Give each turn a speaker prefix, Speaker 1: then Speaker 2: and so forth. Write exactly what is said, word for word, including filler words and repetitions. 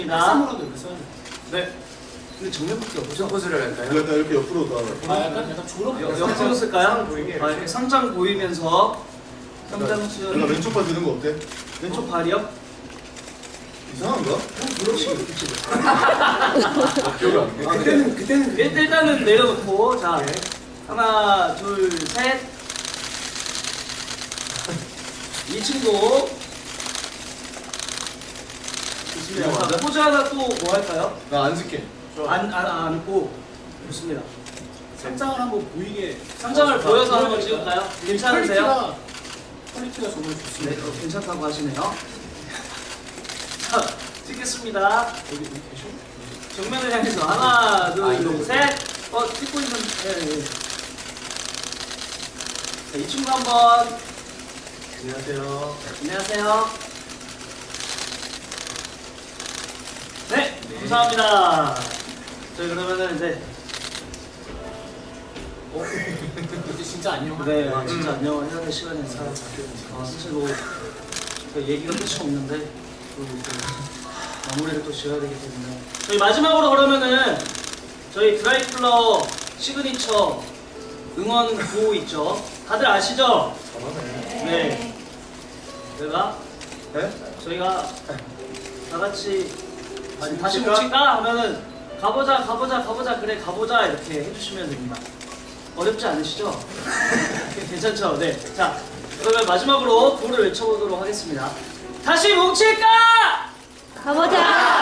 Speaker 1: 쌈으로도 이렇게 써야 돼.
Speaker 2: 네. 근데 정면밖에 없죠? 포즈를 할까요?
Speaker 3: 약간 이렇게 옆으로 다.
Speaker 1: 아 약간 약간 졸업.
Speaker 2: 여- 옆으로 쓸까요? 아, 이렇게 상장 보이면서 상장 수연
Speaker 3: 내가 왼쪽 발 드는 거 어때?
Speaker 2: 왼쪽 발이요?
Speaker 3: 이상한가?
Speaker 2: 그렇지.
Speaker 3: 기억이 안 나.
Speaker 2: 아, 그때는 그때는 일단은 내려놓고 자 하나 둘 셋. 이 친구 좋습니다.
Speaker 3: 이거 맞아?
Speaker 2: 자, 포즈 하나 또 뭐 할까요?
Speaker 3: 나 안 쓸게.
Speaker 2: 안, 안, 안고 좋습니다.
Speaker 1: 상장을 한번 보이게.
Speaker 2: 상장을
Speaker 1: 아,
Speaker 2: 보여서 한번
Speaker 1: 보여야겠다.
Speaker 2: 찍을까요?
Speaker 1: 이게
Speaker 2: 괜찮으세요?
Speaker 1: 퀄리티가, 퀄리티가 정말
Speaker 2: 네,
Speaker 1: 좋습니다.
Speaker 2: 어, 괜찮다고 하시네요. 자, 찍겠습니다.
Speaker 1: 여기 여기 계셔?
Speaker 2: 정면을 향해서 하나,
Speaker 1: 아,
Speaker 2: 둘,
Speaker 1: 이거
Speaker 2: 셋. 어, 찍고 있는. 네, 네. 자, 이 친구 한번.
Speaker 3: 안녕하세요.
Speaker 2: 안녕하세요. 네, 감사합니다. 저희 그러면은 이제
Speaker 1: 어? 이제 진짜 안녕.
Speaker 2: 네, 아, 진짜 안녕을 해야 될 시간이네요. 아, 사실 뭐 저희 얘기가 끝이 없는데 또, 또 마무리를 또 지어야 되기 때문에 저희 마지막으로 그러면은 저희 드라이클러 시그니처 응원 구호 있죠? 다들 아시죠?
Speaker 3: 잘하네.
Speaker 2: 네. 저희가
Speaker 3: 네?
Speaker 2: 저희가 다 같이 아니, 다시
Speaker 3: 뭉칠까?
Speaker 2: 뭉칠까 하면은 가보자 가보자 가보자 그래 가보자 이렇게 해주시면 됩니다. 어렵지 않으시죠? 괜찮죠? 네. 자 그러면 마지막으로 구호를 외쳐보도록 하겠습니다. 다시 뭉칠까?
Speaker 4: 가보자!